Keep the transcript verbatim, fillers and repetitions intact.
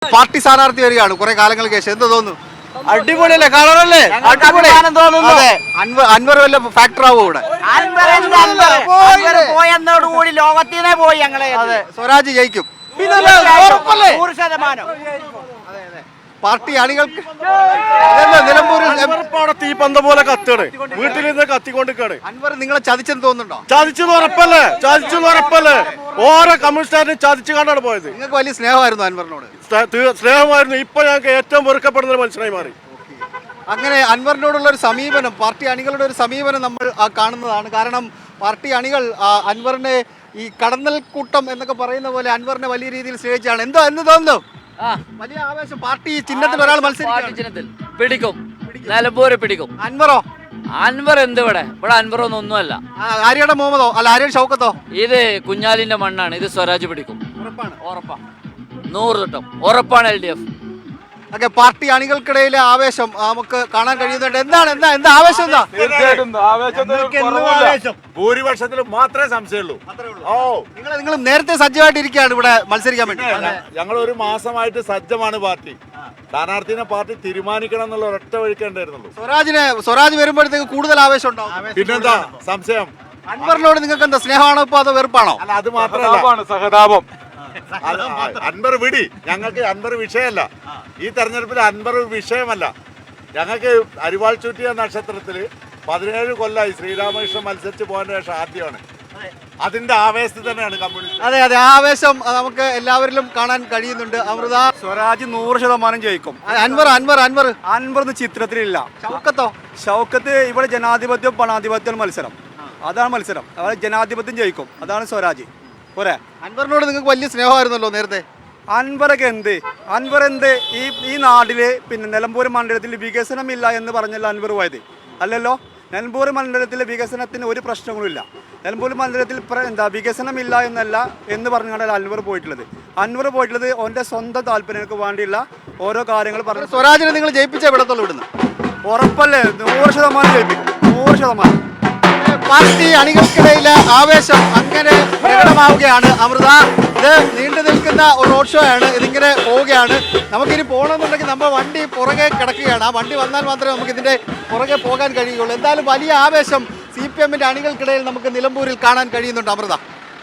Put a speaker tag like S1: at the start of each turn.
S1: Party സ്ഥാനാർത്ഥി വരികയാണ് കുറെ കാലങ്ങൾക്ക് ശേഷം, എന്ത് തോന്നുന്നു?
S2: അടിപൊളിയല്ലേ, കളറല്ലേ,
S1: അടിപൊളി. അൻവർ അൻവർ വല്ല ഫാക്ടർ ആവും ഇവിടെ.
S3: പോയെന്നോടുകൂടി ലോകത്തിനെ പോയി ഞങ്ങളെ.
S1: അതെ, സ്വരാജ് ജയിക്കും.
S3: നൂറ് ശതമാനം
S1: പാർട്ടി അണികൾക്ക് നിലമ്പൂരിൽ
S2: തീപ്പന്ത പോലെ കത്തുകയാണ്, വീട്ടിൽ നിന്ന് കത്തിക്കൊണ്ടിരിക്കുകയാണ്.
S1: അൻവർ നിങ്ങളെ ചതിച്ചെന്ന് തോന്നുന്നുണ്ടോ?
S2: ചതിച്ചെന്ന് ഉറപ്പല്ലേ, ചതിച്ചെന്ന് ഉറപ്പല്ലേ. ഓരോ കമ്മ്യൂണിസ്റ്റുകാരനെ ചതിച്ചു കണ്ടാണ് പോയത്.
S1: നിങ്ങൾക്ക് വലിയ സ്നേഹമായിരുന്നു അൻവറിനോട്?
S2: സ്നേഹമായിരുന്നു. ഇപ്പൊ ഞങ്ങൾക്ക് ഏറ്റവും വെറുക്കപ്പെടുന്ന ഒരു മനുഷ്യനായി മാറി.
S1: അങ്ങനെ അൻവറിനോടുള്ള ഒരു സമീപനം, പാർട്ടി അണികളുടെ ഒരു സമീപനം നമ്മൾ കാണുന്നതാണ്. കാരണം പാർട്ടി അണികൾ അൻവറിനെ ഈ കടന്നൽ കൂട്ടം എന്നൊക്കെ പറയുന്ന പോലെ അൻവറിനെ വലിയ രീതിയിൽ സ്നേഹിച്ചാണ്. എന്തോ എന്ന് തോന്നുന്നു? വലിയ ആവേശം. പാർട്ടി ചിഹ്നത്തിൽ ഒരാൾ മത്സരിക്കും,
S4: പിടിക്കും, നിലമ്പൂര് പിടിക്കും.
S1: അൻവറോ?
S4: അൻവർ എന്ത് ഇവിടെ ഇവിടെ അൻവറൊന്നും ഒന്നുമല്ല.
S1: ആര്യയുടെ മുഹമ്മദോ അല്ല ആര്യയുടെ ഷൗക്കത്തോ?
S4: ഇത് കുഞ്ഞാലിന്റെ മണ്ണാണ്. ഇത് സ്വരാജ് പിടിക്കും,
S1: ഉറപ്പാണ്.
S4: ഉറപ്പാണ്, നൂറ് തൊട്ടും ഉറപ്പാണ്. L D F
S1: okay, party അണികൾക്കിടയിലെ ആവേശം നമുക്ക് കാണാൻ കഴിയുന്നുണ്ട്. എന്താണ് എന്താ എന്താ ആവേശം? എന്താ
S2: ഭൂരിപക്ഷത്തിൽ മാത്രമേ സംശയമുള്ളൂ. ഓ,
S1: നിങ്ങൾ നിങ്ങൾ നേരത്തെ സജ്ജമായിട്ടിരിക്കുകയാണ് ഇവിടെ മത്സരിക്കാൻ വേണ്ടി.
S2: ഞങ്ങൾ ഒരു മാസമായിട്ട് സജ്ജമാണ്. പാർട്ടി സ്ഥാനാർത്ഥിനെ പാർട്ടി തീരുമാനിക്കണം എന്നുള്ള ഒരൊറ്റ വഴിക്കേണ്ടായിരുന്നുള്ളൂ.
S1: സ്വരാജിനെ സ്വരാജ് വരുമ്പോഴത്തേക്ക് കൂടുതൽ ആവേശം ഉണ്ടാവും.
S2: പിന്നെന്താ സംശയം?
S1: അൻവറിനോട് നിങ്ങൾക്ക് എന്താ സ്നേഹമാണോ ഇപ്പൊ അതോ വെറുപ്പാണോ?
S2: അല്ല, അത് മാത്രമല്ല, സഹതാപം. അൻവർ വിടി, ഞങ്ങൾക്ക് അൻവർ വിഷയമല്ല. ഈ തെരഞ്ഞെടുപ്പിൽ അൻവർ വിഷയമല്ല. ഞങ്ങൾക്ക് അരിവാൾ ചുറ്റിയ നക്ഷത്രത്തില് പതിനേഴ് കൊല്ലമായി ശ്രീരാമകൃഷ്ണൻ മത്സരിച്ച് പോകാൻ ശേഷം ആദ്യമാണ്. അതിന്റെ ആവേശത്തിൽ തന്നെയാണ് കമ്മ്യൂണിസ്റ്റ്.
S1: അതെ അതെ, ആവേശം നമുക്ക് എല്ലാവരിലും കാണാൻ കഴിയുന്നുണ്ട്. അമൃത,
S2: സ്വരാജ് നൂറ് ശതമാനം ജയിക്കും.
S1: അൻവർ അൻവർ അൻവർ
S2: അൻവർ ഒന്നും ചിത്രത്തിലില്ല.
S1: ഷൗക്കത്തോ?
S2: ഷൗക്കത്ത് ഇവിടെ ജനാധിപത്യം പണാധിപത്യം മത്സരം, അതാണ് മത്സരം. അവിടെ ജനാധിപത്യം ജയിക്കും, അതാണ് സ്വരാജ്. പോരെ.
S1: അൻവറിനോട് നിങ്ങൾക്ക് വലിയ സ്നേഹമായിരുന്നല്ലോ നേരത്തെ.
S2: അൻവറൊക്കെ എന്ത് അൻവർ എന്ത് ഈ ഈ നാട്ടില് പിന്നെ നിലമ്പൂർ മണ്ഡലത്തിൽ വികസനമില്ല എന്ന് പറഞ്ഞല്ലോ അൻവർ പോയത്, അല്ലല്ലോ. നിലമ്പൂർ മണ്ഡലത്തിലെ വികസനത്തിന് ഒരു പ്രശ്നങ്ങളുമില്ല. നിലമ്പൂർ മണ്ഡലത്തിൽ എന്താ വികസനമില്ല എന്നല്ല എന്ന് പറഞ്ഞാണ് അൻവർ പോയിട്ടുള്ളത്. അൻവർ പോയിട്ടുള്ളത് അവൻ്റെ സ്വന്തം താല്പര്യങ്ങൾക്ക് വേണ്ടിയുള്ള ഓരോ കാര്യങ്ങൾ പറഞ്ഞു.
S1: സ്വരാജിനെ നിങ്ങൾ ജയിപ്പിച്ച വിടത്തുള്ളൂ ഇവിടുന്ന്?
S2: ഉറപ്പല്ലേ, നൂറ് ശതമാനം ജയിപ്പിക്കും, നൂറ് ശതമാനം.
S1: പാർട്ടി അണികൾക്കിടയിലെ ആവേശം അങ്ങനെ പ്രകടമാവുകയാണ്. അമൃത, ഇത് നീണ്ടു നിൽക്കുന്ന ഒരു റോഡ് ഷോ ആണ്. ഇതിങ്ങനെ പോവുകയാണ്. നമുക്കിനി പോകണമെന്നുണ്ടെങ്കിൽ നമ്മൾ വണ്ടി പുറകെ കിടക്കുകയാണ്. ആ വണ്ടി വന്നാൽ മാത്രമേ നമുക്ക് ഇതിൻ്റെ പുറകെ പോകാൻ കഴിയുള്ളൂ. എന്തായാലും വലിയ ആവേശം സി പി എമ്മിൻ്റെ അണികൾക്കിടയിൽ നമുക്ക് നിലമ്പൂരിൽ കാണാൻ കഴിയുന്നുണ്ട്. അമൃത.